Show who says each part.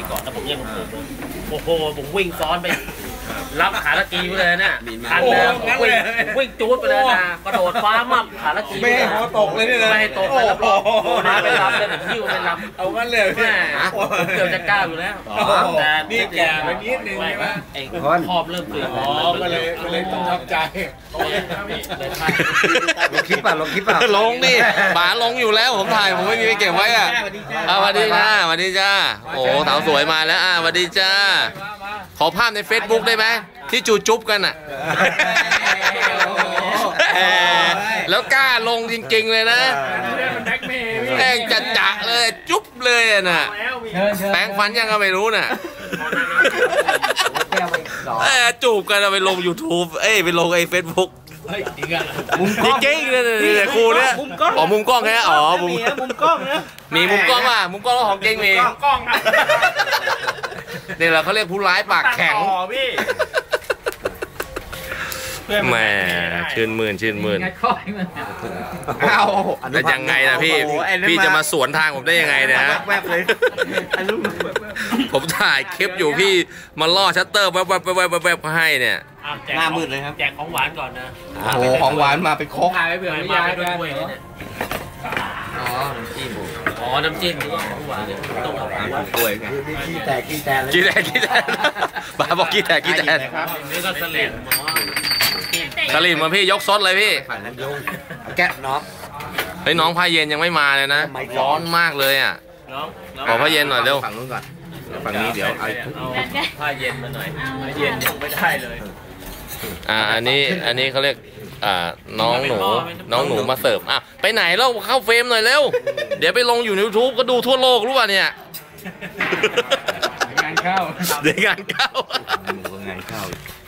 Speaker 1: ก่อนแล้วผมยังโอ้โหผมวิ่งซ้อนไปรับขาละกีไปเลยเนี่ยทันเลยวิ่งจูดไปเลยนะกระโดดฟ้ามั่มขาละกี
Speaker 2: ไม่ให้หัวตกเลยนี่นะ
Speaker 1: ไม่ให้ตกเลยรับรองมาไปรับเลยผมหิ้วไปรับ
Speaker 2: เอางั้นเลย
Speaker 1: แม่เกือบจะก้าวอยู่แล้วแต่
Speaker 2: นี่แก่ไปนิดนึงใช่ไหม
Speaker 1: ไอ้ขอบเริ่มตื่น
Speaker 2: ก็เลยต้องทับใจ
Speaker 3: ลงคลิปป่ะ
Speaker 4: ลงดิป๋าลงอยู่แล้วผมถ่ายผมไม่มีไปเก็บไว้อ่ะสวัสดีจ้าสวัสดีจ้าโอ้สาวสวยมาแล้วสวัสดีจ้าขอภาพใน Facebook ได้ไหมที่จูจุ๊บกันอ่ะแล้วกล้าลงจริงๆเลยนะแม่งจะเลยจุ๊บเลยน่ะแปรงฟันยังก็ไม่รู้น่ะจูบกันไปลง YouTube ไปลงFacebookจริงๆเลยครูเนี่ยอ๋อมุมกล้องแค่อ๋อมุม
Speaker 3: กล้องนะ
Speaker 4: มีมุมกล้องอ่ะมุมกล้องของจริงมี
Speaker 1: กล้องนะ
Speaker 4: นี่เราเขาเรียกผู้ร้ายปากแข็งแหมชื่นมื่นแต่ยังไงนะพี่จะมาสวนทางผมได้ยังไงเนี่ยฮะผมถ่ายคลิปอยู่พี่มาล่อชัตเตอร์แวบให้เนี่ย
Speaker 3: หน้ามืดเลยครับ
Speaker 1: แจกของหวานก่อนนะ
Speaker 4: โอ้โหของหวานมาไปครก
Speaker 1: ถ่ายไปเผื่อไม่ยายด้วยอ๋อน้ำจิ้มของหวานต้องเอา
Speaker 3: กล้วยไงขี้แตก
Speaker 4: บ้าบอกขี้แตก
Speaker 1: นี่ก็สลิด
Speaker 4: มาพี่ยกซดเลยพี่
Speaker 3: แกะน้อง
Speaker 4: เฮ้ยน้องผ้าเย็นยังไม่มาเลยนะร้อนมากเลยอ่ะขอผ้าเย็นหน่อยเร็ว
Speaker 3: ฝั่งนู้นก่อนฝั่งนี้เดี๋ยวเอา
Speaker 1: ผ้าเย็นมาหน่อยผ้าเย็นยังไม่ได้เลย
Speaker 4: อันนี้เขาเรียกน้องหนูมาเสิร์ฟไปไหนเล่าเข้าเฟรมหน่อยเร็วเดี๋ยวไปลงอยู่ใน YouTube ก็ดูทั่วโลกรู้ป่ะเนี่ย
Speaker 3: งานเข้า
Speaker 4: เดี๋ยวงานเข้า